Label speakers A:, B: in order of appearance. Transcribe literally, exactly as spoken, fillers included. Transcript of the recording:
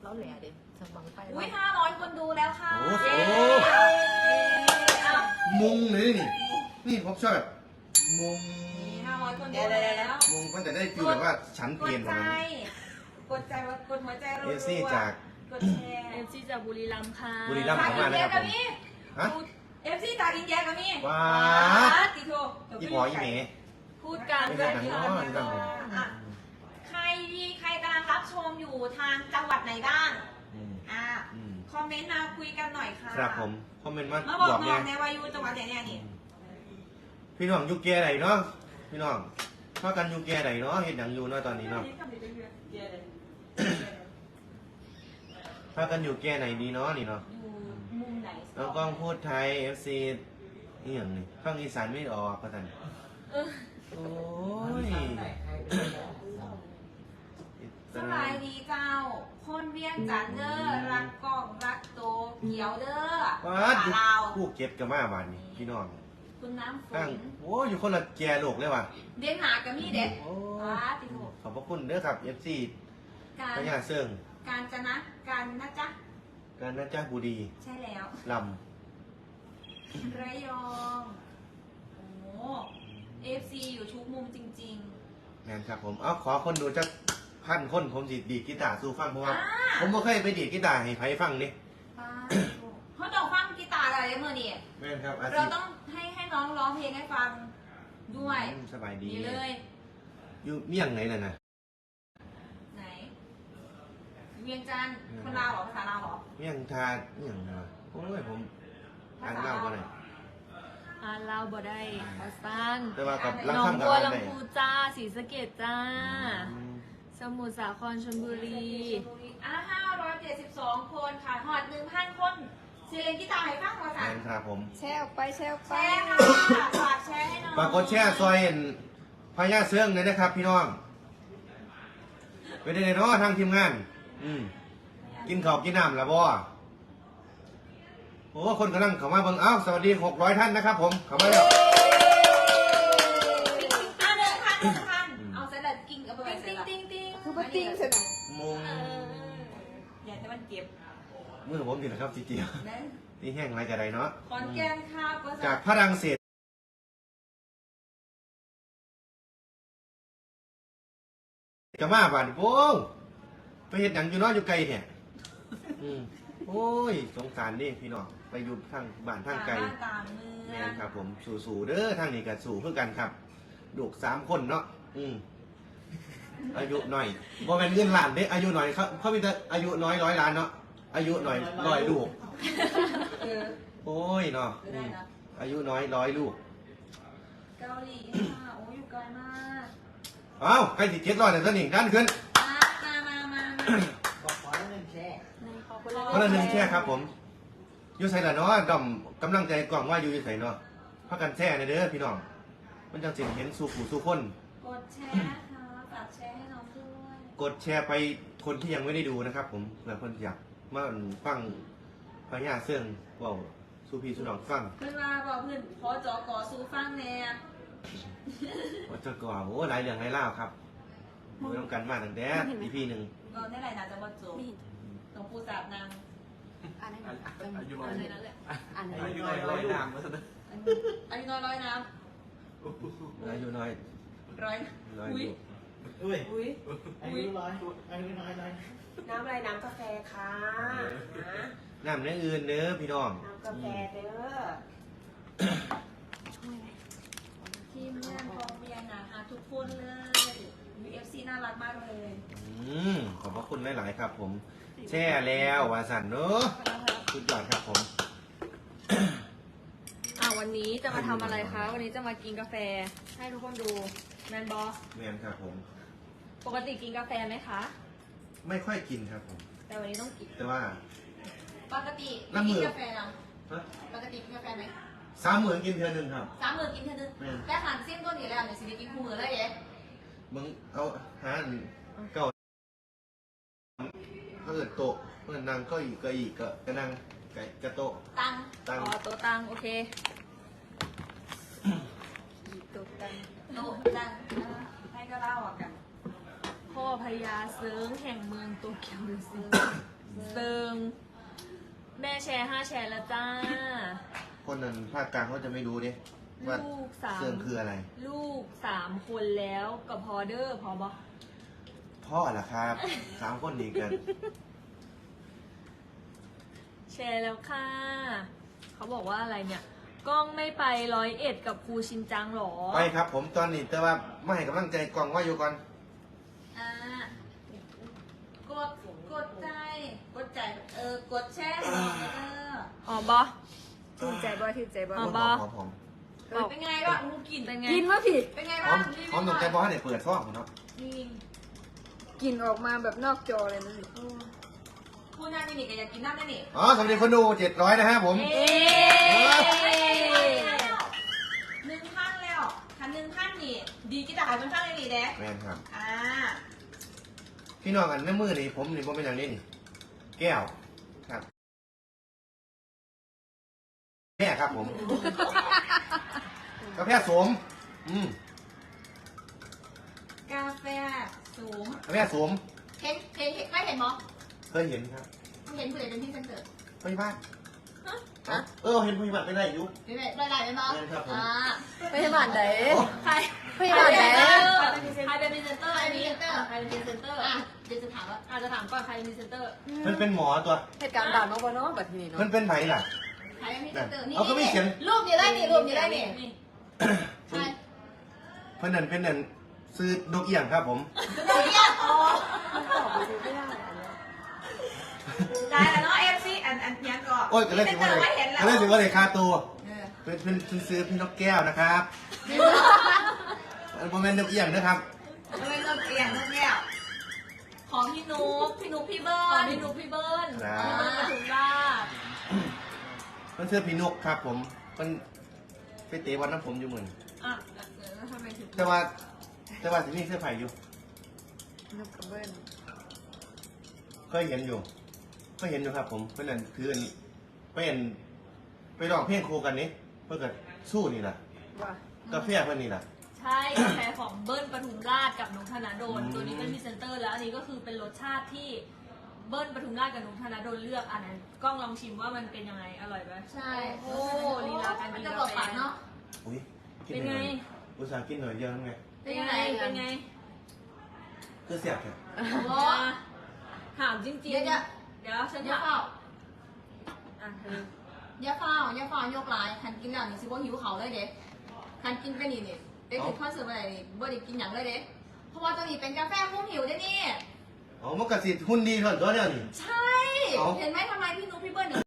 A: แล้วแหล่เด็สมบังไป
B: อุ้ยห้าร้อยคนดูแล้วค่ะ
C: โอ้โห
B: อ้าว
C: มุงเลยนี่นี่ผมชอบแบบมุง
B: นี่ห้าร้อยคนดูแล้ว
C: มุงมันจะได้ฟีลแบบว่าฉัน
B: ก
C: เปลี่
B: ด
C: ยน
B: ใจ
C: มา
B: กดใจว่ากดหัวใจเรา
C: เอซี่จาก
B: กดแชร์
A: เอฟซีจากบุรีรัมย์ค่ะ
C: บุรีรัมย์
B: จากอินเดียกับนี่
C: ฮะ
B: เอฟซีจากอินเดียกับนี่
C: ว้า
B: ติโท
C: อีพออีเม๋
A: พูดกัน
C: ไม่
A: ด้
C: ใช่
A: วย
C: หนัง
A: ค่ะ
C: น้อยหนัง
B: อ่ะใครที่ใครกำลังรับชมอยู่ทางจังหวัดไหนบ้าง
C: อืม
B: อ่ะ
C: อืม
B: คอมเมนต์มาคุยกันหน่อยค่ะ
C: ครับผมคอมเมนต์มา
B: มาบอก
C: บอก
B: น้
C: เนี่
B: อง
C: ย
B: ในวายุจังหวัดไหนเนี่ยนี่
C: พี่น้องอยู่แก่ไหนเนาะพี่น้องพากันอยู่แก่ไหนเนาะเห็นหนังอยู่เนาะตอนนี้เนาะพากันอยู่แก่ไหนดีเนาะนี่เนาะ
B: อยู่มุมไหน
C: น้องกล้องพูดไทย เอฟ ซี นี่อย่างนี้ฟังอีสานไม่ออกประทัน
B: เออ
C: โอ้ย
B: สบายดีเจ้า คนเวียงจันทน์เด้อรักกล้องรักโตเขียวเด้อ
C: ว้าด
B: ลาว
C: ผู้เก็บกับมาบ้านนี่พี่น้อง
B: คุณน้ำฝ
C: ตั้ง
B: น
C: โอ้ยอยู่คนละแก่โลกเลยว่ะ
B: เด่นหนากับมี่เด็ด
C: โอ้
B: ว้าติโถ
C: ขอบพระคุณเด้อครับ เอฟ ซี
B: การ
C: พญาเซิง
B: การจะนะการนะจ๊ะ
C: การนะจ้าบุรี
B: ใช่แล้ว
C: ล
B: ระยอง โอ้เอฟซีอยู่ทุกมุมจริง
C: ำงานครับผม เอาขอคนดูจักพันคนผมสิดีดกีตาร์สู้ฟังเพราะ
B: ๆ
C: ว่า
B: อ่า
C: ผมบ่เคยไปดีดกีตาร์ให้ไผฟังนี่
B: ป้าเขาต้องฟังกีตาร์อะไรเมื่อนี่
C: แม่นครับอา
B: เรา
C: ชีพ
B: ต้องให้ให้น้องร้องเพลงให้ฟังด้วย
C: อืมสบายดี
B: นี่เลย
C: อยู่เมี่ยงไหนน่ะนะ
B: ไหน เวียงจันทร์คนลาวเหรอภาษาลาวเหรอ
C: เมี่ยงทาเมี่ยงนะโอ้ยผมอ่านเล่าบ่ได้
A: อ่านเล่าบ่ได้ขอสั้น
C: แต่ว่ากับรัก
A: หนอง
C: คำกับ
A: บัว
C: อ่านได้
A: ลำพูจ้าศรีสะเกษจ้า
C: อืม
A: สมุทรสาครชลบุรี
B: อ่ะห้าร้อยเจ็ดสิบสองคนค่ะหอดหนึ่งพันคนเสียงกีตาร์ให้ฟังภาษา
C: แม่นครับผม
A: แชร์ออกไปแชร์ออก
B: แช
A: ไป
B: ร์ค่ะฝากแชร์ให้น้อง
C: ฝากกดแชร์ซอยเห็นพญาเสื่องเลยนะครับ พี่น้องไปได้เลยเนาะทางทีมงาน อืมกินข้าวกินน้ำแล้วบ่โอ้คนกำลังเข้ามาเบิ่งเอ้าสวัสดีหกร้อยท่านนะครับผมเข้ามาแล้ว
B: อ่ะหนึ่งพันหนึ่งพันเอาเสร็จแล้วกิ้งเอาไปไว้เสร็
A: ติ้
B: จ
A: ง
B: แล้ว
A: ติ้งติ้ง
D: คือปติ้งใช่ไหม
C: มุง
B: อยากให้มันเก็บ
C: มือผมอยู่นะครับจีเจียว
B: นะ
C: ที่แห้งไรจะไรเนาะ
B: ขอนแก่นครับก็
C: จากพระรังเศสจะมาบ้านโป้งไปเห็นหนังอยู่เนาะอยู่ไกลเนี่ยอืมโอ้ยสงสารนี่พี่น้องไปอยู่ทางบ้านทางไกล
B: บ้านตามเมื
C: แม่
B: อง
C: นครับผมสู่ๆเด้อทางนี้ก็สู่เพื่อกันครับลูกสามคนเนาะอืมอายุหน่อยบ่แม่นเงินล้านเด้อายุหน่อยเขาเขามีแต่อายุน้อยร้อยล้านเนาะอายุหน่อยร้อยลูก
B: เออ
C: โอ้ยเนาะ
B: ไม่
C: อื
B: ได้
C: ม
B: นะ
C: อายุน้อยร้อยลูก
B: เกาหลีค่ะโอ้ยอยู่ไกลมาก
C: เอ้าใกล้สิเจ็ดร้อยแล้วนี่ด้านขึ้น
B: มามามามา
D: บอกขอแล้วหนึ่งแช่
A: ขอบคุณ
C: คนละหนึ่งแช่ครับผมอยู่ใส่ละเนาะดอมกำลังใจกล่องว่าอยู่ใส่เนาะพักกันแช่ในเด้อพี่น้องมันจังสิเห็นสู่ผู้สู่คน
B: กดแชร์นะคะฝากแชร์ให้น้องด้วย
C: กดแชร์ไปคนที่ยังไม่ได้ดูนะครับ ผมเผื่อคนอยากมาฟังพญาเสื่องเว่าสู่พี่สู่น้องฟัง
B: เพื่อนมาบอกเพื่อนขอจอกอสู้ฟังแน่
C: ว่าจะก่อโอ้หลายเรื่องหลายเล่าวครับมือต้องกันมาตั้งแต่อีพีหนึ่ง
B: ก็ได้ไรนะจะบอจบหลวงปู่สาบนาง
A: อ่านให้หน่อย
E: อายุน้อย
A: อ่านให้นั่นแหละอ่านให้
E: อายุน้อยร้อยนามมาซะนะ
B: อายุน้อยร้อยน้
C: อายุน้อย
B: ำร้อย
C: ร้อย
B: อุ้ย
C: อยู่
D: อุ้ย
B: อุ้ย
D: อายุร้อยอายุน้อยน้อย
F: น้ำอะไรน้ำกาแฟค่ะนะ
C: น้ำเนื้ออื่นเด้อพี่น้อง
F: น้ำกาแฟเด้อ
A: ช่วยไหม
B: ทีมงานกองเบียร์นะคะทุกคนเลย ยู เอฟ ซี น่ารักมากเลย
C: อืมขอบพระคุณหลาย ๆ ครับ ผม แช่แล้ววาสันเนอะสุดยอดครับผม
A: อ่าวันนี้จะมาทำอะไรคะวันนี้จะมากินกาแฟให้ทุกคนดูแมนบอ
C: แมนครับผม
A: ปกติกินกาแฟไหมคะ
C: ไม่ค่อยกินครับผม
A: แต่วันนี้ต้องกิน
C: แต่ว่า
B: ปกติ
C: น้ำมื
B: กิ
C: อ
B: นกาแฟนะ
C: ฮะ
B: ปกติกินกาแฟไหม
C: สามหมื่นกินเทือหนึ่งครับ
B: สามมื้อกินเท่านึง
C: แม่น
B: แต่หันเส้นตัวนี้แล้วเนี่ยสิได้กินคู่มือเลยเอ๊ะ
C: มึงเอาหาอันเก่าถ้าเกิดโตะเมื่อนั่งก็อีกก็อีกก็ก็นั่งไก่กระโตะ
B: ตัง
C: ตั้ง
A: อ๋อตัวตังโอเคตัวตัง
B: โตตังให้ก็เล่าอ่ะกัน
A: พ่อพญาเซิงแห่งเมืองโตเกียวดูสิเซิงแม่แชร์ห้าแชร์แล้วจ้า
C: คนนั้นภาคกลางเขาจะไม่รู้ดิว่า
A: ลูกสาม
C: เสื่องคืออะไร
A: ลูกสามคนแล้วกับพอเดอร์พอบอ
C: พ่อล่ะครับ สามคนดีกัน
A: แชร์แล้วค่ะ เขาบอกว่าอะไรเนี่ย กล้องไม่ไปร้อยเอ็ดกับครูชินจังหรอ
C: ไปครับผมตอนนี้แต่ว่าไม่ให้กำลังใจกองว่าอยู่ก่อน
B: อ่ากดกดใจกดใจเออกดแชร์เออ
A: อ๋อบอ
E: ถือใจบ่ถือใจบ่
A: อ๋อ
C: หอมหอมหอม
B: เป็นไงบ้างมูกิน
A: เป็นไง
E: กินว่าผิด
B: เป็นไง
C: หอ
B: บ้าง
C: มหอมตรงใจบอสเนี่ยเปิดซ่องเนาะ
B: นี่
E: กินออกมาแบบนอกจอเลยนะ
B: พูดหน้านี่นี่ก็อยากกินน้ำได้นี่
C: อ๋อสวัสดีคนดูเจ็ดร้อยนะฮะผม
A: เอ๊
B: หนึ่งพันแล้วคันหนึ่งพันนี่ ดีกี่ตายเป็นพันเลยนี่เด้
C: แม่นครับ
B: อ่า
C: พี่น้องกันในมือนี่ผมนี่ผมเป็นอย่างนี้นี่ แก้วครับแม่ครับผมกาแฟสม อืม
B: กาแฟสูง
C: กาแฟสม
B: เห็นเห็นเห็นไม่เห็นมั้ง
C: เคยเห็นครับ
B: เห็นผู้ใดเป็นที่เซนเตอร์
C: พยาบาลอ๋อเออเห็นพยาบาลเป็นไรอยู่
B: เห็นไหมได้ได้ไหมมั้ง
C: เห็นครับผม
B: อ่า
E: พยาบาลไหน
A: ใคร
E: พยาบาลไหน
A: ใครเป็นพรีเซนเตอร์อันนี้ใครเป็นพรีเซนเตอร์
B: อ่ะเดี๋ยวจะถามว่า
A: อาจจะถามก่อนใครเป็นพรีเซนเตอร์
C: มันเป็นหมอตัว
E: เหตุการณ์บาดมาบ่เนาะแบบนี้เนาะ
C: มันเป็นไหนล่ะ
B: ใครเป็นพรีเซนเตอร์นี่
C: เอาก็ไม่เขียน
B: รูปนี้ได้นี่รูปนี้ได้นี่
A: นี่
B: ใช่
C: เพื่อนนั่นเป็นนั่นซื้อดอกเอี่ยงครับผม
B: ดูเนี่ยอ๋อ
E: ตอบไปดูไม่ได้อันเนี้ย
B: ได้แล้วเนาะเอฟซีอันอันยังก่อน
C: โอ้ยก็เลยสิว่า
B: เซนเตอร์
C: เลย
B: ไม่เห็นแล้ว
C: ก็เลยสิว่าเลยค่าตัว
B: เออ
C: เป็นเป็นเป็นซื้อพี่นกแก้วนะครับโมเมนต์ดอกเอี่ยงนะครับ
B: ไม่เป็นตัวเอียงตัวเนี่ยของพี่นุ๊กพี่นุ๊กพี่เบิ
A: ขอ
B: ร์น
A: พี่นุ๊กพี่เบิ้ล
C: ครับ
A: พี่เบิ้ลปทุมราช
C: มันซื้อพี่นกครับผมมันไปเตะวันน้ำผมอยู่เหมือน
A: อ่ะแล้วทำไมถึง
C: แต่ว่าแต่ว่าที่นี่เสื้อไผ่อยู่
E: นกกระเบิ้ล
C: เคยเห็นอยู่เคยเห็นอยู่ครับผมเพื่อนนั่นคืออันเป็นไปร้องเพลงโคกันนี้เพื่อกับสู้นี่แหละ
E: ว่าก
C: าแฟเพื่อนนี่แหละ
A: ใช่กาแฟของเบิ้ลปทุมราชกับนุ๊กธนาโดน
C: อืม
A: ตัวนี้เป็นพรีเซนเตอร์แล้วอันนี้ก็คือเป็นรสชาติที่เบิ้ลปทุมราชกับนุ๊กธนาโดนเลือกอันนั้นกล้องลองชิมว่ามันเป็นยังไงอร่อยไหม
B: ใช่
A: โอ้ลีลาการ
B: มัน
A: กิน
B: จะ
A: กา
B: บอก
A: แฟ
B: ปากเนาะ
C: อุ้ยกิ
A: เป็น
C: ห
A: ไง
C: อยอุตส่าห์กินหน่อยเดียวนั่นไง
A: เป็นไงเป็นไง
C: คือเสียบแค่
B: โอ้
A: ถามจริงๆ
B: เดี๋ยวเดี๋ยว
A: เดี๋ยวฉัน
B: อย่า
A: ถาม
B: เฝ้า
A: อ่ะเธอ
B: อย่าเฝ้าอย่าเฝ้ายกลายคันกินแล้วนี่สิบ่หิวเขาเลยเด็คันกินไปนี่นี่ไปกินคอนเสิร์ตอะไรนี่บ่ได้กินหยังเลยเด็เพราะว่าตัวนี้เป็นกาแฟคุ้มหิวได้นี่
C: อ๋อมันกระสิหุ่นดีเท่านั้นตัวเดียวนี่
B: ใช่
C: เอ้า
B: เห็นไหมทำไมพี่นุ๊กพี่เบิ้ลถึง